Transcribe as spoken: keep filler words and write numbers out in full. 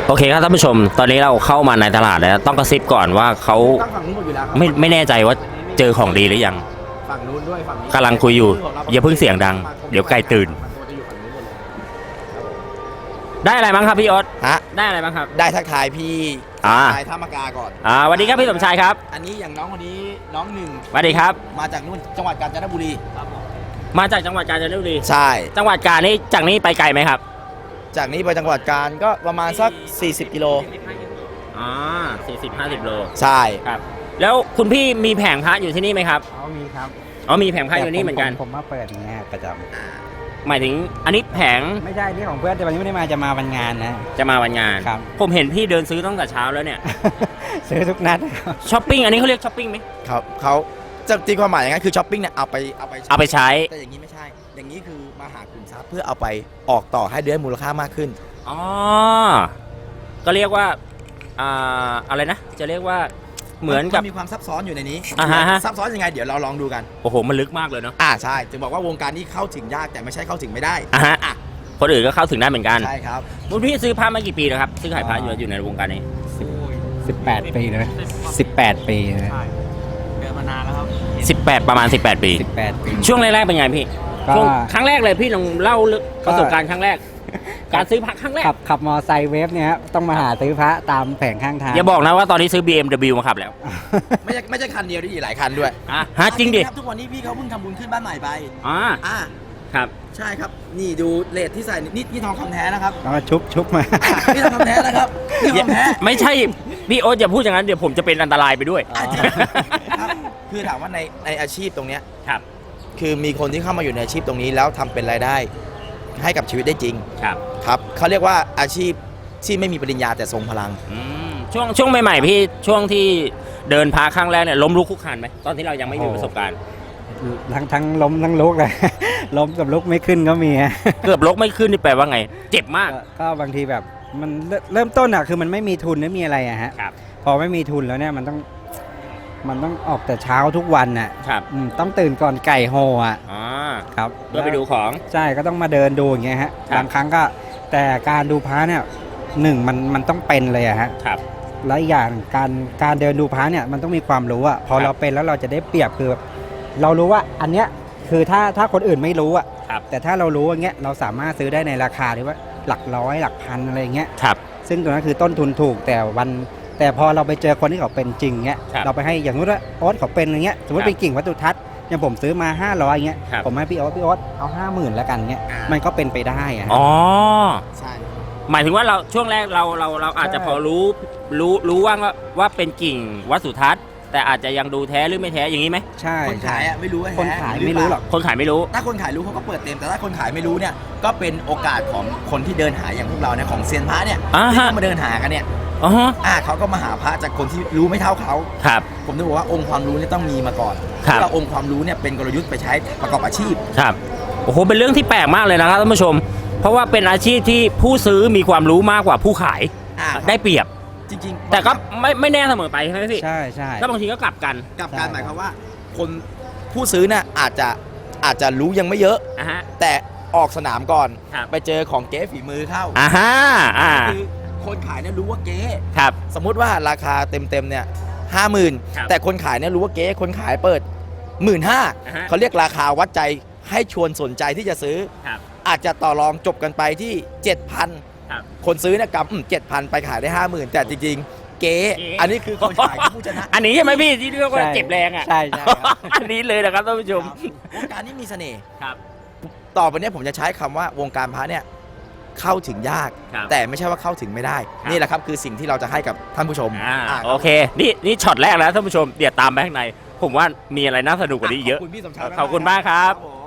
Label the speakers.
Speaker 1: โอเคครับท่านผู้ชมตอนนี้เราเข้ามาในตลาดแล้วต้องกระซิบก่อนว่าเขา
Speaker 2: ตั้งฝั่งนู้นหมดอยู่แล้วครับ
Speaker 1: ไม่ไม่แน่ใจว่าเจอของดีหรือยัง
Speaker 2: ฝั่งนู้นด้วยฝั่งนี้
Speaker 1: กำลังคุยอยู่อย่าเพิ่งเสียงดังเดี๋ยวไก่ตื่น
Speaker 2: มันจะอยู่ฝั่งนู้นหมดเลย
Speaker 1: ได้อะไรบ้างครับพี่ออส
Speaker 2: ฮะ
Speaker 1: ได้อะไรบ้างครับ
Speaker 2: ได้ทักทายพี่
Speaker 1: อ่า
Speaker 2: ทายท่ามะกาก่อน
Speaker 1: อ่าสวัสดีครับพี่สมชายครับ
Speaker 2: อันนี้อย่างน้องคนนี้น้องหนึ่ง
Speaker 1: สวัสดีครับ
Speaker 2: มาจากนู่นจังหวัดกาญจนบุรี
Speaker 1: มาจากจังหวัดกาญจนบุรี
Speaker 2: ใช่
Speaker 1: จังหวัดกาญนี่จากนี้ไปไกลไหมครับ
Speaker 2: จากนี้ไปจังหวัดกาญก็ประมาณสักสี่สิบกิโล
Speaker 1: อ๋อสี่สิบห้าสิบโล
Speaker 2: ใช่
Speaker 1: ครับแล้วคุณพี่มีแผงพระอยู่ที่นี่ไหมครับ
Speaker 3: อ๋อมีครับ
Speaker 1: อ๋อมีแผงพระอยู่นี่เหมือนกัน
Speaker 3: ผมมาเปิดอย่างเงี้ยประจ
Speaker 1: หมายถึงอันนี้แผง
Speaker 3: ำไม่ใช่นี่ของเพื่อนแต่วันนี้ไม่ได้มาจะมาวันงานนะ
Speaker 1: จะมาวันงาน
Speaker 3: ครับ
Speaker 1: ผมเห็นพี่เดินซื้อตั้งแต่เช้าแล้วเนี่ย
Speaker 3: ซื้อทุกนัดครับ
Speaker 1: ช้อปปิ้งอันนี้เขาเรียกช้อปปิ้งไหม
Speaker 2: เขาเขาจะตีความหมายอย่างนั้นคือช้อปปิ้งเนี่ยเอาไปเอาไป
Speaker 1: เอาไปใช้
Speaker 2: แต่อย่างนี้ไม่ใช่ อย่างนี้คือมาหากลุ่มทรัพย์เพื่อเอาไปออกต่อให้ได้มูลค่ามากขึ้น
Speaker 1: อ๋อ ก็เรียกว่า อ่า อะไรนะ จะเรียกว่า เหมือนกับ
Speaker 2: นมีความซับซ้อนอยู่ในนี้
Speaker 1: อ่าฮะฮะ
Speaker 2: ซับซ้อนยังไงเดี๋ยวเราลองดูกัน
Speaker 1: โอ้โห มันลึกมากเลยเนาะ
Speaker 2: อ่าใช่ถึงบอกว่าวงการนี้เข้าถึงยากแต่ไม่ใช่เข้าถึงไม่ได้
Speaker 1: อ่ะฮะ คนอื่นก็เข้าถึงได้เหมือนกัน
Speaker 2: ใช่ครับ
Speaker 1: คุณพี่ซื้อผ้ามากี่ปีแล้วครับ ซื้อขายผ้าอยู่อยู่ในวงการนี้
Speaker 3: สิบแปดปีเลยสิบแปดปีเลย
Speaker 2: เดินมานานแล้วครับ
Speaker 1: สิบแปด ประมาณ สิบแปด ปี
Speaker 3: สิบแปดปี
Speaker 1: ช่วงแรกๆเป็นไงพี่
Speaker 3: ก็
Speaker 1: ช่วงครั้งแรกเลยพี่ลองเล่าเรื่อง
Speaker 3: ก็
Speaker 1: ประสบการณ์ครั้งแรก การซื้อผ้าครั้งแรก
Speaker 3: ขับขับมอไซค์เวฟเนี่ยครับต้องมาหาซื้อพระตามแผงข้างทาง
Speaker 1: อย่าบอกนะว่าตอนนี้ซื้อ บี เอ็ม ดับเบิลยู มาขับแล้ว
Speaker 2: ไม่ใช่ไม่ใช่คันเดียวด้วยหลายคันด้วย
Speaker 1: อ่ะฮะจริงดิ
Speaker 2: ครับทุกวันนี้พี่เขาเพิ่งทำบุญขึ้นบ้านใหม่ไป
Speaker 1: อ่า
Speaker 2: อ่า
Speaker 1: ครับ
Speaker 2: ใช่ครับนี่ดูเลทที่ใส่นี่นี่ทองคำแท้นะครับ
Speaker 3: แล้วก็ชุบชุบมา
Speaker 2: อ่ะนี่ทองคำแท้นะครับนี่ทองแท้
Speaker 1: ไม่ใช่ พี่โอ๊ตอย่าพูดอย่างนั้นเดี๋ยวผมจะเป็นอันตรายไปด้วย
Speaker 3: อ๋อ
Speaker 2: ครับคือถามว่าในในอาชีพตรงเนี้ย
Speaker 1: ครับ
Speaker 2: คือมีคนที่เข้ามาอยู่ในอาชีพตรงนี้แล้วทำเป็นรายได้ ให้กับชีวิตได้จริง
Speaker 1: ครับ
Speaker 2: ครับเขาเรียกว่าอาชีพที่ไม่มีปริญญาแต่ทรงพลัง
Speaker 1: อืมช่วงช่วงใหม่ๆพี่ช่วงที่เดินพาครั้งแรกเนี่ยล้มลุกคลุกคลานไหมตอนที่เรายังไม่มีประสบการณ์
Speaker 3: ทั้งทั้งล้มทั้งลุกเลย ล้มกับลุกไม่ขึ้นก็มีฮะ
Speaker 1: เกือบลุกไม่ขึ้นนี่แปลว่าไง เจ็บมาก
Speaker 3: ก็ก็บางทีแบบมันเริ่มเริ่มต้นอ่ะคือมันไม่มีทุนไม่มีอะไรอะฮะ
Speaker 1: ครับ
Speaker 3: พอไม่มีทุนแล้วเนี่ยมันต้องมันต้องออกแต่เช้าทุกวันน่ะ
Speaker 1: ครับ
Speaker 3: อืมต้องตื่นก่อนไก่โฮอ่ะ
Speaker 1: อ๋อ
Speaker 3: ครับ
Speaker 1: เพื่อไปดูของ
Speaker 3: ใช่ก็ต้องมาเดินดูอย่างเงี้ยฮะ
Speaker 1: ครับ
Speaker 3: บางครั้งก็แต่การดูพระเนี่ยหนึ่งมันมันต้องเป็นเลยอะฮะ
Speaker 1: ครับ
Speaker 3: แล้วอีกอย่างการการเดินดูพระเนี่ยมันต้องมีความรู้อะพอ
Speaker 1: ครับ
Speaker 3: เราเป็นแล้วเราจะได้เปรียบคือแบบเรารู้ว่าอันเนี้ยคือถ้าถ้าคนอื่นไม่รู้อะ
Speaker 1: ครับ
Speaker 3: แต่ถ้าเรารู้อย่างเงี้ยเราสามารถซื้อได้ในราคาที่ว่าหลักร้อยหลักพันอะไรอย่างเงี้ย
Speaker 1: ครับ
Speaker 3: ซึ่งตรงนั้นคือต้นทุนถูกแต่วันแต่พอเราไปเจอคนที่เขาเป็นจริงเงี้ย
Speaker 1: ครับ
Speaker 3: เราไปให้อย่างนู้นว่าโอ๊ตเขาเป็นอย่างเงี้ยสมมติ
Speaker 1: ครับ
Speaker 3: เป็นกิ่งวัตถุทัศน์อย่างผมซื้อมาห้าร้อยเงี้ย
Speaker 1: ครับ
Speaker 3: ผมให้พี่โอ๊ตพี่โอ๊ตเอาห้าหมื่นแล้วกันเงี้ย
Speaker 2: อ่ามั
Speaker 3: มันก็เป็นไปได้อะ
Speaker 1: อ๋อ
Speaker 2: ใช่
Speaker 1: หมายถึงว่าเราช่วงแรกเราเราเราอาจจะ
Speaker 3: ใช่
Speaker 1: พอรู้รู้รู้ว่าว่าเป็นกิ่งวัดสุทัศน์ แต่อาจจะยังดูแท้หรือไม่แท้อย่างนี้ไหม
Speaker 3: ใช่
Speaker 2: คน
Speaker 3: ใช่
Speaker 2: ขายอ่ะไม่รู้ว่า
Speaker 3: คน
Speaker 2: แท้
Speaker 3: ขาย
Speaker 2: ห
Speaker 3: ไม่รู้หรอก
Speaker 1: คนขายไม่รู้
Speaker 2: ถ้าคนขายรู้เขาก็เปิดเต็มแต่ถ้าคนขายไม่รู้เนี่ยก็เป็นโอกาสของคนที่เดินหาอย่างพวกเราเนี่ยของเซียนพระเนี่ย
Speaker 1: อ่า
Speaker 2: ที่
Speaker 1: ฮะ
Speaker 2: เขามาเดินหากันเนี่ย
Speaker 1: อ๋อฮะ
Speaker 2: อ่าเขาก็มาหาพระจากคนที่รู้ไม่เท่าเขา
Speaker 1: ครับ
Speaker 2: ผมจะบอกว่าองค์ความรู้เนี่ยต้องมีมาก่อน
Speaker 1: ครับ
Speaker 2: แล้วองค์ความรู้เนี่ยเป็นกลยุทธ์ไปใช้ประกอบอาชีพ
Speaker 1: ครับ โอ้โห เป็นเรื่องที่แปลกมากเลยนะครับท่านผู้ชม เพราะว่าเป็นอาชีพที่ผู้ซื้อมีความรู้มากกว่าผู้ขาย
Speaker 2: อ่า
Speaker 1: ได้เปรียบ
Speaker 2: จริงๆ
Speaker 1: แต่ก็ไม่ไม่แน่เสมอไปใช่ไหมพี่
Speaker 3: ใช่ใช่
Speaker 1: ก็บางทีก็กลับกัน
Speaker 2: กับการหมายความว่า คนผู้ซื้อเนี่ยอาจจะอาจจะรู้ยังไม่เยอะ
Speaker 1: อ่ะฮะ
Speaker 2: แต่ออกสนามก่อน
Speaker 1: ครับ
Speaker 2: ไปเจอของเก๊ฝีมือเข้า
Speaker 1: อ่าฮะอ่า
Speaker 2: คือคนขายเนี่ยรู้ว่าเก๊
Speaker 1: ครับ
Speaker 2: สมมุติว่าราคาเต็มๆเนี่ยห้าหมื่น
Speaker 1: ครับ
Speaker 2: แต่คนขายเนี่ยรู้ว่าเก๊คนขายเปิดหมื่นห้า
Speaker 1: อ่าฮะ
Speaker 2: เขาเรียกราคาวัดใจให้ชวนสนใจที่จะซื้อ
Speaker 1: ครับ
Speaker 2: อาจจะต่อรองจบกันไปที่เจ็ดพัน
Speaker 1: ครับ
Speaker 2: คนซื้อเนี่ยกำเจ็ดพันไปขายได้ห้าหมื่นแต่จริงๆ เก๊
Speaker 1: เก๊
Speaker 2: อันนี้คือคนขายคือผู้ชนะ
Speaker 1: อันนี้ใช่ไหมพี่ที่เรียกว่าเจ็บแรงอ่ะ
Speaker 3: ใช่ใช่ครับ
Speaker 1: อันนี้เลยนะครับท่านผู้ชม
Speaker 2: วงการนี้มีเสน่ห์
Speaker 1: ครับ
Speaker 2: ต่อไปเนี้ผมจะใช้คำว่าวงการพระเนี่ยเข้าถึงยาก
Speaker 1: ครับ
Speaker 2: แต่ไม่ใช่ว่าเข้าถึงไม่ได้
Speaker 1: ครับ
Speaker 2: นี่แหละครับคือสิ่งที่เราจะให้กับท่านผู้ชม
Speaker 1: อ่า
Speaker 2: อ่า
Speaker 1: โอเค นี่นี่ช็อตแรกแล้วท่านผู้ชม เดี๋ยวตามไปข้างใน ผมว่ามีอะไรน่าสนุกกว่านี้เยอะ
Speaker 2: ขอบคุณพี่สมชาย
Speaker 1: ขอบคุณมากครับ
Speaker 2: ผม